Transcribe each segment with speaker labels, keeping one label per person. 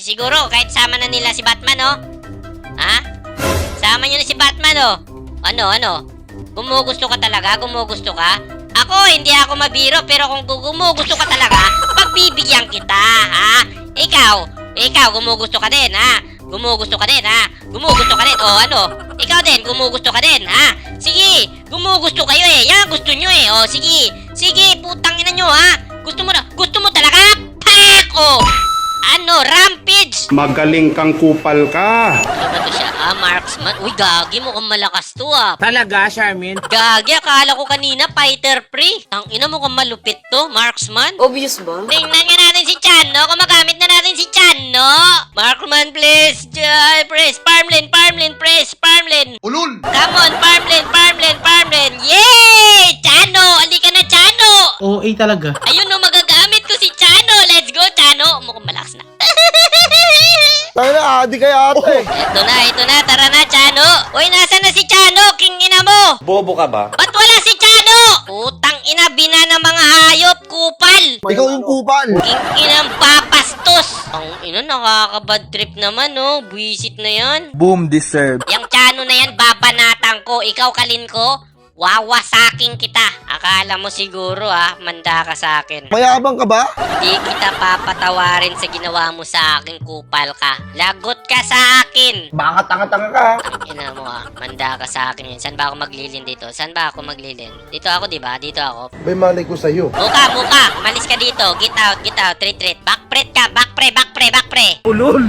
Speaker 1: siguro kahit sama na nila si Batman, oh. Ha? Sama nyo na si Batman, oh. Ano? Gumugusto ka talaga? Gumugusto ka? Ako, hindi ako mabiro, pero kung gumugusto ka talaga, pagbibigyan kita, ha? Ikaw, gumugusto ka din, ha? Gumugusto ka din, ha? Gumugusto ka din, oh, ano? Ikaw din, gumugusto ka din, ha? Sige, gumugusto kayo, eh. Yan, gusto nyo, eh. Oh, sige, putang ina nyo, ha? Gusto mo talaga? Pak! Oh! Ano, rampage!
Speaker 2: Magaling kang kupal ka.
Speaker 1: Ano to siya? Marksman? Uy, gagi mo kung malakas to, ah.
Speaker 3: Talaga, Charmin?
Speaker 1: Gagi, akala ko kanina fighter pre. Ang ina mo kung malupit to, marksman.
Speaker 4: Obvious ba?
Speaker 1: Tingnan nga natin si Chano, kung magamit na natin si Chano. Marksman, please. Press, farmland, press, farmland.
Speaker 5: Ulul!
Speaker 1: Come on, farmland. Yay! Chano, alika na, Chano.
Speaker 3: OA talaga.
Speaker 1: Ayun no, magagamit ko si Chano. Let's go, Chano. Mukhang malakas na.
Speaker 5: Tayo na, adi kay ate.
Speaker 1: Ito na, tara na, Chano. Uy, nasa na si Chano? King ina mo.
Speaker 2: Bobo ka ba?
Speaker 1: Ba't wala si Chano? Putang ina, bina ng mga hayop, kupal.
Speaker 5: Ikaw yung kupal.
Speaker 1: King inang papastos. Ang ina, nakaka-bad trip naman, no? Buwisit na yan.
Speaker 5: Boom deserve.
Speaker 1: Yang Chano na yan, babanatan ko. Ikaw, kalin ko, wawasaking kita. Akala mo siguro, manda ka sa akin.
Speaker 5: Mayabang ka ba?
Speaker 1: Hindi kita papatawarin sa ginawa mo sa akin, kupal ka. Lagot ka sa akin.
Speaker 5: Baka tanga-tanga ka.
Speaker 1: Ang ina mo, manda ka sa akin yun. Saan ba ako maglilin dito? Saan ba ako maglilin? Dito ako, di ba? Dito ako.
Speaker 5: May malay ko sa'yo.
Speaker 1: Muka. Umalis ka dito. Get out. Retreat. Backpret ka. Back pre.
Speaker 3: Ulol!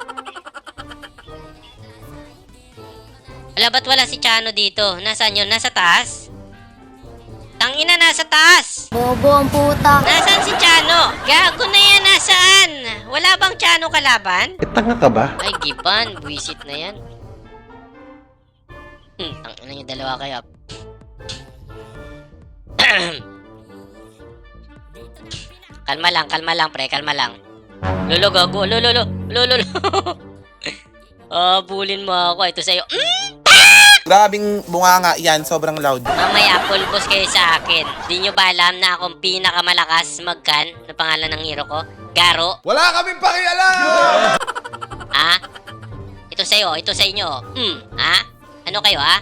Speaker 1: Wala, ba't wala si Chano dito? Nasaan yun? Nasa taas? Tangina, nasa taas!
Speaker 4: Bobo ang puta.
Speaker 1: Nasaan si Chano? Gago na yan, nasaan? Wala bang Chano kalaban?
Speaker 2: Tanga ka ba?
Speaker 1: Ay, giban. Buwisit na yan. Tangina yung dalawa kayo. Kalma lang, pre. Kalma lang. Lolo, gago. Lolo. Bulin mo ako. Ito sa'yo.
Speaker 6: Grabing bunganga yan, sobrang loud.
Speaker 1: Mamaya, pulbos kayo sa akin. Di nyo ba alam na akong pinakamalakas mag-gun? Ano pangalan ng hero ko? Garo?
Speaker 5: Wala kaming pakialam!
Speaker 1: Ha? Ito sa'yo, ito sa inyo. Ha? Ano kayo, ha?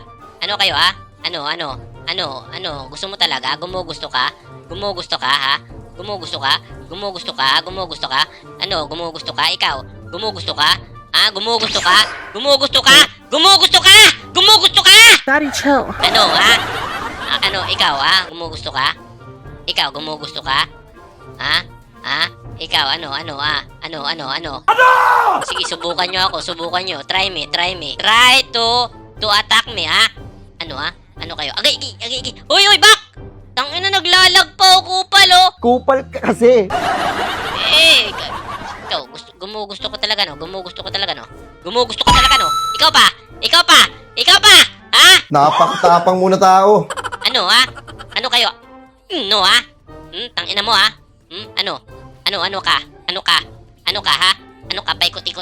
Speaker 1: Ano? Gusto mo talaga? Gumugusto ka, ha? Gumugusto ka? Ano? Gumugusto ka? Ikaw? Gumugusto ka? Ha? Gumugusto ka?
Speaker 4: Daddy, chill.
Speaker 1: Ano, ha? Ikaw, ha? Gumugusto ka? Ikaw, gumugusto ka? Ha? Ikaw, ano? Sige, subukan nyo. Try me. Try to attack me, ha? Ano kayo? Agay. Uy, back! Tangina, naglalag pa ako, kupal, oh!
Speaker 5: Kupal ka kasi.
Speaker 1: Ikaw, gumugusto ko talaga, no? Ikaw pa! Ha?
Speaker 5: Napakatapang muna tao.
Speaker 1: Ano, ha? Ano kayo? No, ha? Tangina mo, ha? Ano ka? Ha? Paikot-ikot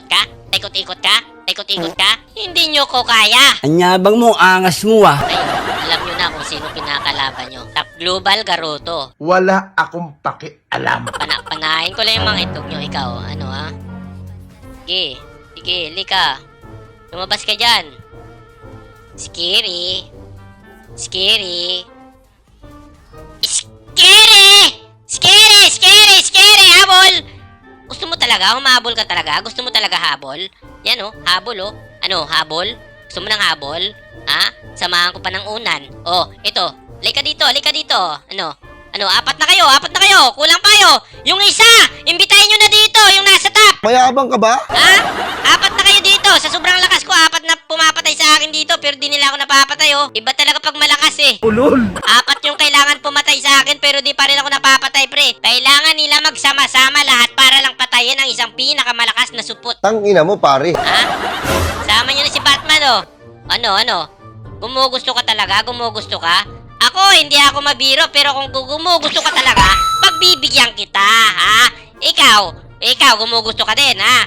Speaker 1: ka? Hindi nyo ko kaya.
Speaker 3: Anyabang mo, angas mo
Speaker 1: Ayun, alam nyo na kung sino pinakalaban nyo. Top Global Garoto.
Speaker 5: Wala akong pakialam.
Speaker 1: Panahin ko lang yung mga itlog nyo. Ikaw, ano, ha? Sige, lika. Lumabas ka dyan. Scary, habol! Gusto mo talaga? Humabol ka talaga? Gusto mo talaga habol? Yan, oh, habol, oh. Ano, habol? Gusto mo ng habol? Ha? Samahan ko pa ng unan. Oh, ito. Lika dito. Ano, apat na kayo. Kulang pa kayo. Yung isa, imbitahin nyo na dito, yung nasa top.
Speaker 5: Mayabang ka ba?
Speaker 1: Ha? Apat na kayo dito. Sa sobrang lakas ko, apat na pumapatay sa akin dito, pero di nila ako napapatay, oh. Iba talaga pag malakas, eh.
Speaker 3: Ulol!
Speaker 1: Apat yung kailangan pumatay sa akin, pero di pa rin ako napapatay, pre. Kailangan nila magsama-sama lahat para lang patayin ang isang pinakamalakas na supot.
Speaker 5: Tangina mo, pare.
Speaker 1: Ha? Sama nyo na si Batman, oh. Ano? Gumugusto ka talaga? Ako, hindi ako mabiro, pero kung gumugusto ka talaga, pagbibigyan kita, ha? Ikaw, gumugusto ka din, ha?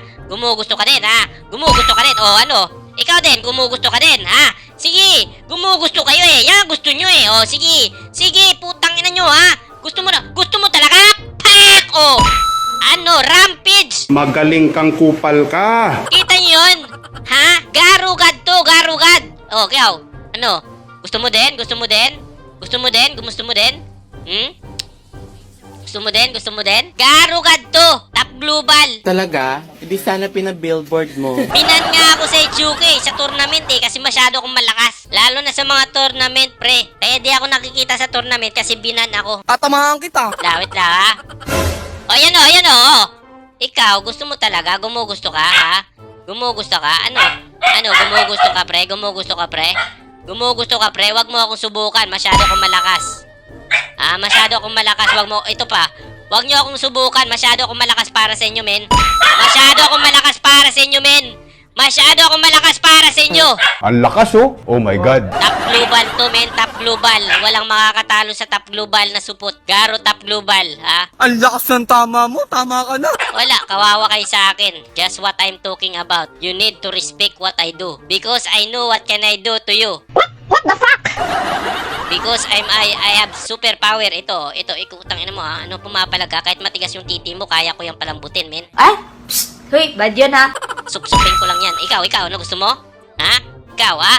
Speaker 1: Oh, ano? Ikaw din, gumugusto ka din, ha? Sige, gumugusto kayo, eh. Yan, gusto nyo, eh. Oh, sige, putang ina nyo, ha? Gusto mo talaga? Pak! Oh! Ano? Rampage!
Speaker 2: Magaling kang kupal ka.
Speaker 1: Kita nyo yun? Ha? Garugad to, garugad. Oh, ikaw. Ano? Gusto mo din? Gusto mo din? Gusto mo din? Gusto mo din? Hmm? Gusto mo din? Gusto mo din? Garugad to! Top global!
Speaker 3: Talaga? Hindi sana pinabillboard mo.
Speaker 1: Binan nga ako sa Ichuke sa tournament kasi masyado akong malakas. Lalo na sa mga tournament, pre. Kaya di ako nakikita sa tournament kasi binan ako.
Speaker 3: Tatamahan kita.
Speaker 1: Lawit lang, ha? O, yan o, yan o. Ikaw, gusto mo talaga? Gumugusto ka, ha? Gumugusto ka? Ano? Ano? Gumugusto ka, pre? Gumugusto ka, pre? Gumugusto ka, pre? Wag mo akong subukan. Masyado akong malakas. Ah, masyado akong malakas. Wag mo, ito pa. Wag niyo akong subukan. Masyado akong malakas para sa inyo, men. Masyado akong malakas para sa inyo, men. Masyado akong malakas para sa inyo.
Speaker 2: Ang lakas oh. Oh my God.
Speaker 1: Top global to, men. Top global. Walang makakatalo sa top global na supot. Garo top global, ha?
Speaker 3: Ang lakas ng tama mo. Tama ka na.
Speaker 1: Wala, kawawa kayo sa akin. Just what I'm talking about. You need to respect what I do. Because I know what can I do to you. What the fuck? Because I have superpower. Ito, ikutang ina mo ha. Ano pumapalag ka? Kahit matigas yung titi mo, kaya ko yung palambutin, men.
Speaker 4: Ay! Psst! Hoy, bad yun ha?
Speaker 1: Supsupin ko lang yan. Ikaw, ano gusto mo? Ha? Ikaw, ha?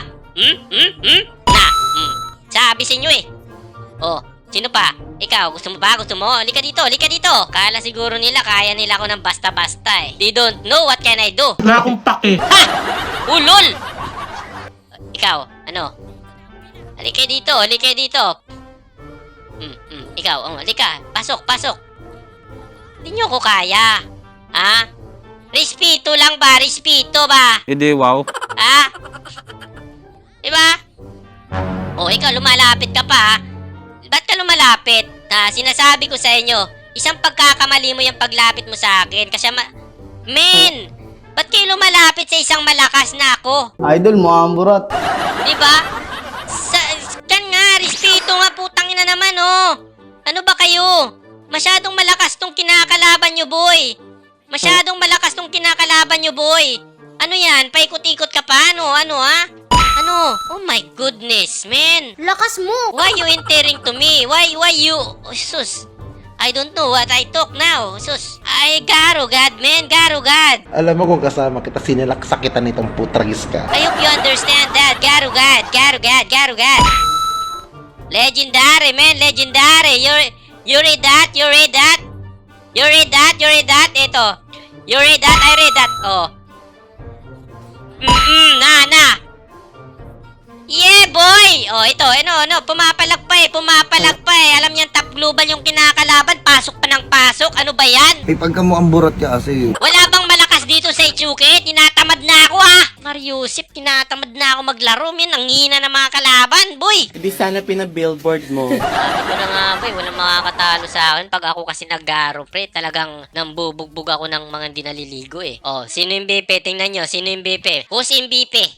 Speaker 1: Na, sabi sa inyo eh. Oh, sino pa? Ikaw, gusto mo ba? Gusto mo? Halika dito, halika dito. Kala siguro nila, kaya nila ako ng basta-basta eh. They don't know what can I do.
Speaker 3: Wala akong pake.
Speaker 1: Ha! Ulol! Ikaw, ano? Halika dito, halika dito. Ikaw, halika. Pasok, pasok. Hindi nyo ko kaya. Ha? Respeto lang ba? Respeto ba?
Speaker 3: Hindi, wow.
Speaker 1: Ha? Diba? O, ikaw, lumalapit ka pa, ha? Ba't ka lumalapit? Sinasabi ko sa inyo, isang pagkakamali mo yung paglapit mo sa akin. Kasi, men! Ba't kayo lumalapit sa isang malakas na ako?
Speaker 5: Idol mo, amburat.
Speaker 1: Diba? Kan nga, respeto nga, putang ina naman, oh. Ano ba kayo? Masyadong malakas tong kinakalaban nyo, boy. Masyadong malakas tong kinakalaban nyo, boy. Ano yan? Paikot-ikot ka pa? Ano, ha? Ano? Oh my goodness, man.
Speaker 4: Lakas mo!
Speaker 1: Why you entering to me? Why you... Oh, sus. I don't know what I talk now. Sus. Ay, garugad, man. Garugad.
Speaker 5: Alam mo kung kasama kita, sinilaksa kita nitong putragis ka.
Speaker 1: I hope you understand that. Garugad. Garugad. Garugad. Legendary, man. Legendary. You read that? You read that? You read that? You read that? Ito. You read that? I read that. Oh. Na. Yeah, boy! Oh, ito. Ano. Pumapalag pa eh. Alam niyan, top global yung kinakalaban. Pasok pa ng pasok. Ano ba yan?
Speaker 5: Eh, pagka mo amburat ka kasi.
Speaker 1: Wala bang malakas dito sa Ichuke? Tinatamad na ako, ha? Mariusip, tinatamad na ako maglaro. Min, ang hina ng mga kalaban, boy.
Speaker 3: Hindi sana pinabillboard mo.
Speaker 1: Sabi ko na nga, boy, walang makakatalo sa akin. Pag ako kasi naggaro, pre, talagang nambubugbog ako ng mga hindi naliligo, eh. Oh, sino yung BP? Tingnan nyo, sino yung BP? Who's MVP?